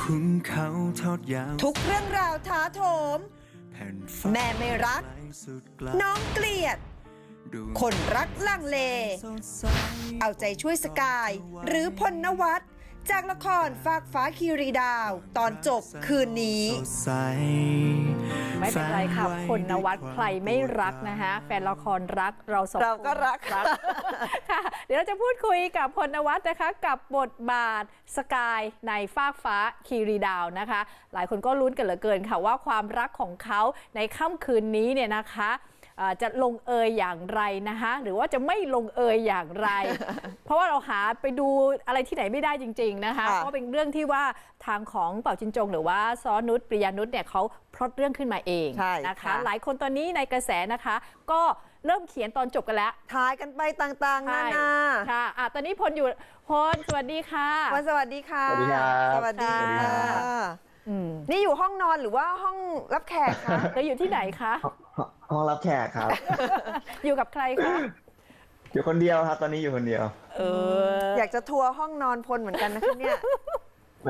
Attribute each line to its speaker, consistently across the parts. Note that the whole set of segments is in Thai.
Speaker 1: ขุนเขาทอดยาว
Speaker 2: ทุกเรื่องราวท้าโถม
Speaker 1: แผ่นฟ้า
Speaker 2: แม่ไม่รัก
Speaker 1: ไกลสุดไกล
Speaker 2: น้องเกลียด
Speaker 1: ดวง
Speaker 2: คนรักลังเล
Speaker 1: สดใส
Speaker 2: เอาใจช่วยสกาย หรือพลนวัตจากละครฟากฟ้าคีรีดาว ตอนจบคืนนี้
Speaker 1: สดใส
Speaker 3: ไม่เป็นไรค่ะพลนวัตใครไม่รักนะคะแฟนละครรักเราสองคน
Speaker 2: เราก็รัก
Speaker 3: ค่ะเดี๋ยวเราจะพูดคุยกับพลนวัตนะคะกับบทบาทสกายในฟากฟ้าคีรีดาวนะคะหลายคนก็ลุ้นกันเหลือเกินค่ะว่าความรักของเขาในค่ำคืนนี้เนี่ยนะคะจะลงเอยอย่างไรนะคะหรือว่าจะไม่ลงเอยอย่างไร เพราะว่าเราหาไปดูอะไรที่ไหนไม่ได้จริงๆนะคะเพราะเป็นเรื่องที่ว่าทางของเป่าจินจงหรือว่าซ้อนุชปริยานุชเนี่ยเขาพล็อตเรื่องขึ้นมาเองนะคะหลายคนตอนนี้ในกระแสนะคะก็เริ่มเขียนตอนจบกันแล้ว
Speaker 2: ทายกันไปต่างๆนานา
Speaker 3: ค่ะตอนนี้พลอยู่พลสวัสดีค่ะ
Speaker 2: วันสวัสดีค่ะ
Speaker 4: สวัสดีครับ
Speaker 2: สวัสดีค่ะนี่อยู่ห้องนอนหรือว่าห้องรับแขกคะ
Speaker 3: แล้วอยู่ที่ไหนคะ
Speaker 4: ห้องรับแขกครับ
Speaker 3: อยู่กับใครคะ
Speaker 4: อยู่คนเดียวครับ ตอนนี้อยู่คนเดียว
Speaker 2: อยากจะทัวร์ห้องนอนพลเหมือนกันนะคะเนี่ย
Speaker 4: แหม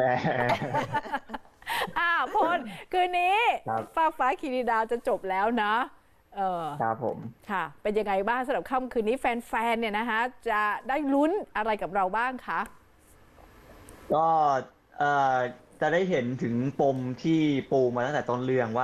Speaker 3: พลคืนนี้
Speaker 4: ครับ
Speaker 3: ฟากฟ้าคีรีดาวจะจบแล้วนะครับ
Speaker 4: ผม
Speaker 3: ค่ะ เป็นยังไงบ้างสำหรับค่ำคืนนี้แฟนๆเนี่ยนะคะจะได้ลุ้นอะไรกับเราบ้างคะ
Speaker 4: ก็จะได้เห็นถึงปมที่ปูมาตั้งแต่ต้นเรื่อง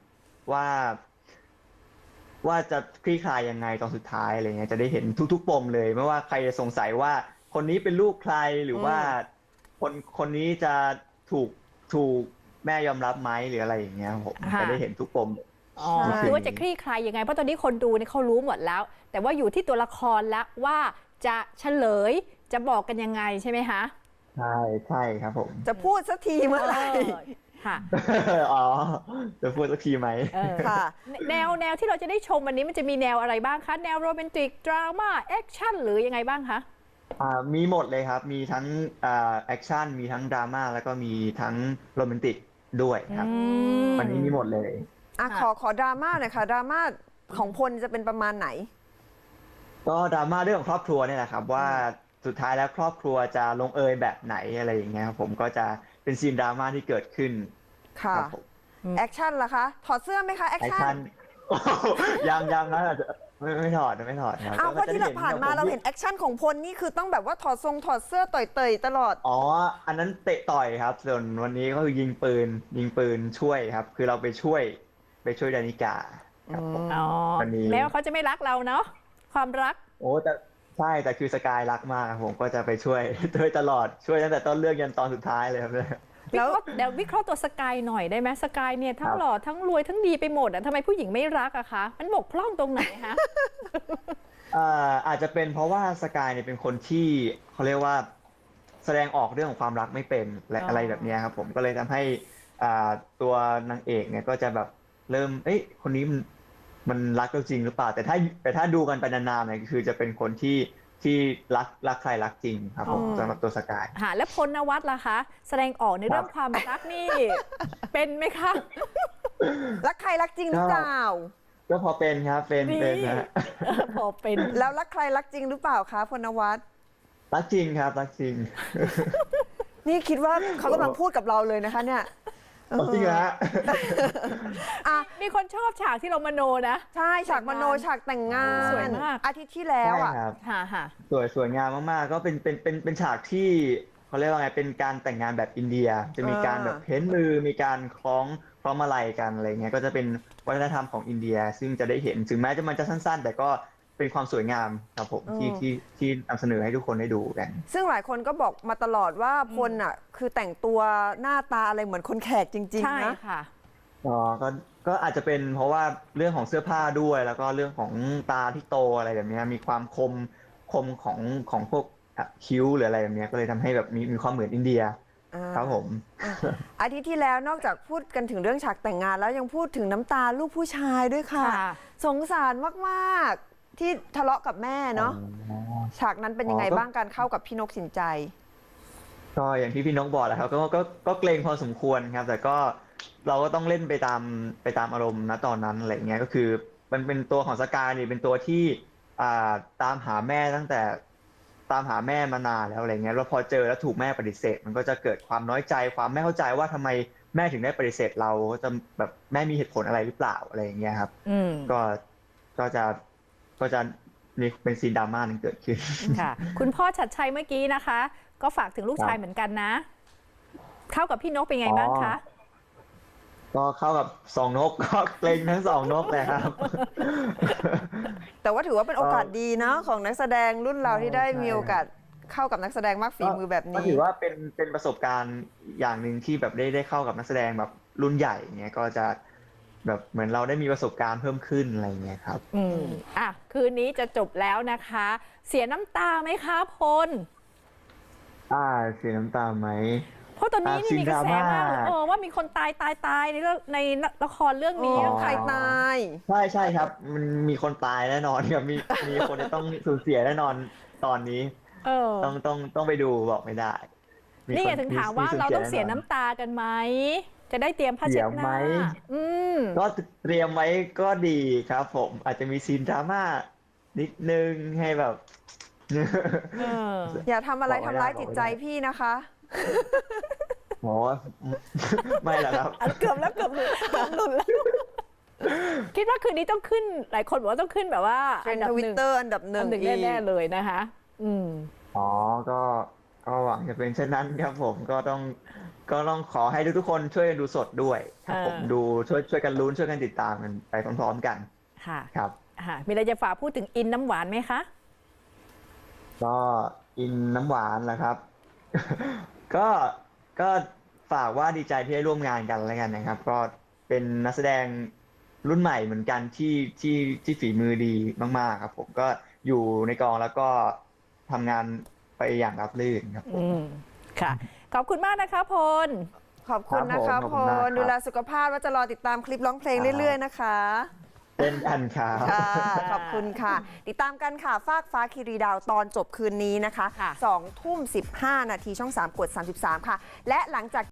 Speaker 4: ว่าจะคลี่คลายยังไงตอนสุดท้ายอะไรเงี้ยจะได้เห็นทุกๆปมเลยไม่ว่าใครจะสงสัยว่าคนนี้เป็นลูกใครหรือว่าคนนี้จะถูกแม่ยอมรับไหมหรืออะไรอย่างเงี้ยผมจะได้เห็นทุกปม
Speaker 3: คือว่าจะคลี่คลายยังไงเพราะตอนนี้คนดูเนี่ยเขารู้หมดแล้ว แต่ว่าอยู่ที่ตัวละครแล้วว่าจะเฉลยจะบอกกันยังไงใช่ไหมคะ
Speaker 4: ใช่ครับผม
Speaker 2: จะพูดสักทีเมื่อไหร่
Speaker 3: ค่ะ
Speaker 4: อ๋อจะพูดสักทีไหม
Speaker 2: ค่ะ
Speaker 3: แนวที่เราจะได้ชมวันนี้มันจะมีแนวอะไรบ้างคะแนวโรแมนติกดราม่าแอคชั่นหรือยังไงบ้างคะ
Speaker 4: มีหมดเลยครับมีทั้งแอคชั่นมีทั้งดราม่าแล้วก็มีทั้งโรแมนติกด้วยครับวันนี้มีหมดเลย
Speaker 2: ขอดราม่าหน่อยค่ะดราม่าของพลจะเป็นประมาณไหน
Speaker 4: ก็ดราม่าเรื่องของครอบครัวเนี่ยแหละครับว่าสุดท้ายแล้วครอบครัวจะลงเอยแบบไหนอะไรอย่างเงี้ยครับผมก็จะเป็นซีนดราม่าที่เกิดขึ้น
Speaker 2: ค่ะ
Speaker 4: รับผม
Speaker 2: แอคชั่นล่ะคะถอดเสื้อไหมคะแอค
Speaker 4: แอค
Speaker 2: ชั่
Speaker 4: ชั่
Speaker 2: น
Speaker 4: น ยังนะอาจจะไม่ถอดครับ
Speaker 2: เพราะที่เราผ่านมาเราเห็นแอคชั่นของพลนี่คือต้องแบบว่าถอดเสื้อต่อยเตยตลอด
Speaker 4: อ๋ออันนั้นเตะต่อยครับส่วนวันนี้ก็คือยิงปืนช่วยครับคือเราไปช่วยดานิกาครับผม วันนี้
Speaker 3: แม้ว่าเขาจะไม่รักเราเนาะความรัก
Speaker 4: โอ้แต่ใช่แต่คือสกายรักมากครับผมก็จะไปช่วยตลอดช่วยตั้งแต่ต้นเรื่องยันตอนสุดท้ายเลยครับ
Speaker 2: แล้ว
Speaker 3: เดี๋ยววิเคราะห์ตัวสกายหน่อยได้ไหมสกายเนี่ยทั้งหล่อทั้งรวยทั้งดีไปหมดทำไมผู้หญิงไม่รักอะคะมันบกพร่องตรงไหนคะ
Speaker 4: อาจจะเป็นเพราะว่าสกายเนี่ยเป็นคนที่เขาเรียกว่าแสดงออกเรื่องของความรักไม่เป็นและอะไรแบบนี้ครับผมก็เลยทำให้ตัวนางเอกเนี่ยก็จะแบบเริ่มคนนี้มันรักเราจริงหรือเปล่าแต่ถ้าดูกันไปนานๆเนี่ยคือจะเป็นคนที่รักใครรักจริงครับผมสำหรับตัวสกาย
Speaker 3: และพลนวัตล่ะคะแสดงออกในเรื่องความรักนี่ เป็นไหมคะ
Speaker 2: รักใครรักจริงหรือเปล่า
Speaker 4: ก็พอเป็นครับเป็นนะ
Speaker 3: พอเป็น
Speaker 2: แล้วรักใครรักจริงหรือเปล่าคะพลนวัต
Speaker 4: รักจริงครับรักจริง
Speaker 2: นี่คิดว่าเขากำลังพูดกับเราเลยนะคะเนี่ย
Speaker 4: จริงนะ
Speaker 3: มีคนชอบฉากที่เรามโนนะ
Speaker 2: ใช่ฉากมโนฉากแต่งงาน
Speaker 3: สวยมาก
Speaker 2: อาทิตย์ที่แล้วอ่ะ
Speaker 3: ค่ะ
Speaker 4: สวยงามมากๆก็เป็นฉากที่เขาเรียกว่าไงเป็นการแต่งงานแบบอินเดีย จะมีการแบบเพ้นมือมีการคล้องมาลัยกันอะไรเงี้ยก็จะเป็นวัฒนธรรมของอินเดีย ซึ่งจะได้เห็นถึงแม้มันจะสั้นๆ แต่ก็เป็นความสวยงามครับผมที่นำเสนอให้ทุกคนได้ดูกัน
Speaker 2: ซึ่งหลายคนก็บอกมาตลอดว่าพลอ่ะคือแต่งตัวหน้าตาอะไรเหมือนคนแขกจริงๆนะ
Speaker 3: ใช่ค่ะ
Speaker 4: อ๋อก็อาจจะเป็นเพราะว่าเรื่องของเสื้อผ้าด้วยแล้วก็เรื่องของตาที่โตอะไรแบบนี้มีความคมของพวกคิ้วหรืออะไรแบบนี้ก็เลยทำให้แบบมีความเหมือนอินเดียครับผม
Speaker 2: อาทิตย์ที่แล้วนอกจากพูดกันถึงเรื่องฉากแต่งงานแล้วยังพูดถึงน้ำตาลูกผู้ชายด้วยค่ะ สงสารมากๆที่ทะเลาะกับแม่เนาะฉากนั้นเป็นยังไงบ้างการเข้ากับพี่นกสินใจ
Speaker 4: ก็อย่างที่พี่นกบอกแหละครับก็เกรงพอสมควรครับแต่ก็เราก็ต้องเล่นไปตามอารมณ์ณตอนนั้นอะไรเงี้ยก็คือมันเป็นตัวของสกายนี่เป็นตัวที่ตามหาแม่ตั้งแต่ตามหาแม่มานานแล้วอะไรเงี้ยแล้วพอเจอแล้วถูกแม่ปฏิเสธมันก็จะเกิดความน้อยใจความไม่เข้าใจว่าทำไมแม่ถึงได้ปฏิเสธเราจะแบบแม่มีเหตุผลอะไรหรือเปล่าอะไรอย่างเงี้ยครับก็จะมีเป็นซีนดราม่านึงเกิดขึ้น
Speaker 3: ค่ะ คุณพ่อชัดชัยเมื่อกี้นะคะ ก็ฝากถึงลูกชายเหมือนกันนะ เข้ากับพี่นกเป็นไงบ้างคะ
Speaker 4: ก็เข้ากับสองนกก็เกรงทั้งสองนกเลยครับ
Speaker 2: แต่ว่าถือว่าเป็นโอกาสดีเนาะของนักแสดงรุ่นเราที่ได้มีโอกาสเข้ากับนักแสดงมากฝีมือแบบนี้
Speaker 4: ก็ถือว่าเป็นประสบการณ์อย่างหนึ่งที่แบบได้เข้ากับนักแสดงแบบรุ่นใหญ่เงี้ยก็จะแบบเหมือนเราได้มีประสบการณ์เพิ่มขึ้นอะไรเงี้ยครับ
Speaker 3: คืนนี้จะจบแล้วนะคะ เสียน้ำตาไหมคะพล
Speaker 4: เสียน้ำตาไหม
Speaker 3: เพราะตอนนี้นี่มีกระแสมากว่ามีคนตายในละครเรื่องนี้
Speaker 2: ใครตาย
Speaker 4: ใช่ครับมันมีคนตายแน่นอนครับมีคนจะต้องสูญเสียแน่นอนตอนนี้ต้องไปดูบอกไม่ได้
Speaker 3: นี่ถึงถามว่าเราต้องเสียน้ำตากันไหมจะได้เตรียมผ้าเช็ดหน้า
Speaker 4: ก็เตรียมไว้ก็ดีครับผมอาจจะมีซีนดราม่านิดนึงให้แบบ
Speaker 2: อย่าทำอะไรทำร้ายจิตใจพี่นะคะ
Speaker 4: โอ้ไม่หรอกครับ
Speaker 3: เกือบหลุดแล้วคิดว่าคืนนี้ต้องขึ้นหลายคนบอกว่าต้องขึ้นแบบว่า
Speaker 2: เป็นทวิตเตอร์อันดับหนึ่ง
Speaker 3: แน่เลยนะคะ
Speaker 4: ก็หวังจะเป็นเช่นนั้นครับผมก็ต้องขอให้ทุกคนช่วยกันดูสดด้วยครับผมดูช่วยกันลุ้นช่วยกันติดตามกันไปพร้อมๆกัน
Speaker 3: ค่ะ
Speaker 4: ครับ
Speaker 3: มีอะไรจะฝากพูดถึงอินน้ำหวานไหมคะ
Speaker 4: ก็อินน้ำหวานแหละครับก็ฝากว่าดีใจที่ได้ร่วมงานกันแล้วกันนะครับก็เป็นนักแสดงรุ่นใหม่เหมือนกันที่ฝีมือดีมากๆครับผมก็อยู่ในกองแล้วก็ทำงานไปอย่างราบรื่นครับผม
Speaker 3: ค่ะขอบคุณมากนะคะพล
Speaker 2: ขอบคุณนะคะพลดูแลสุขภาพว่าจะรอติดตามคลิปร้องเพลงเรื่อยๆนะคะ
Speaker 4: เป็นอันครับ
Speaker 2: ขอบคุณค่ะติดตามกันค่ะฟากฟ้าคีรีดาวตอนจบคืนนี้นะคะ 2:15 น.ช่อง 3 กด 33 ค่ะและหลังจาก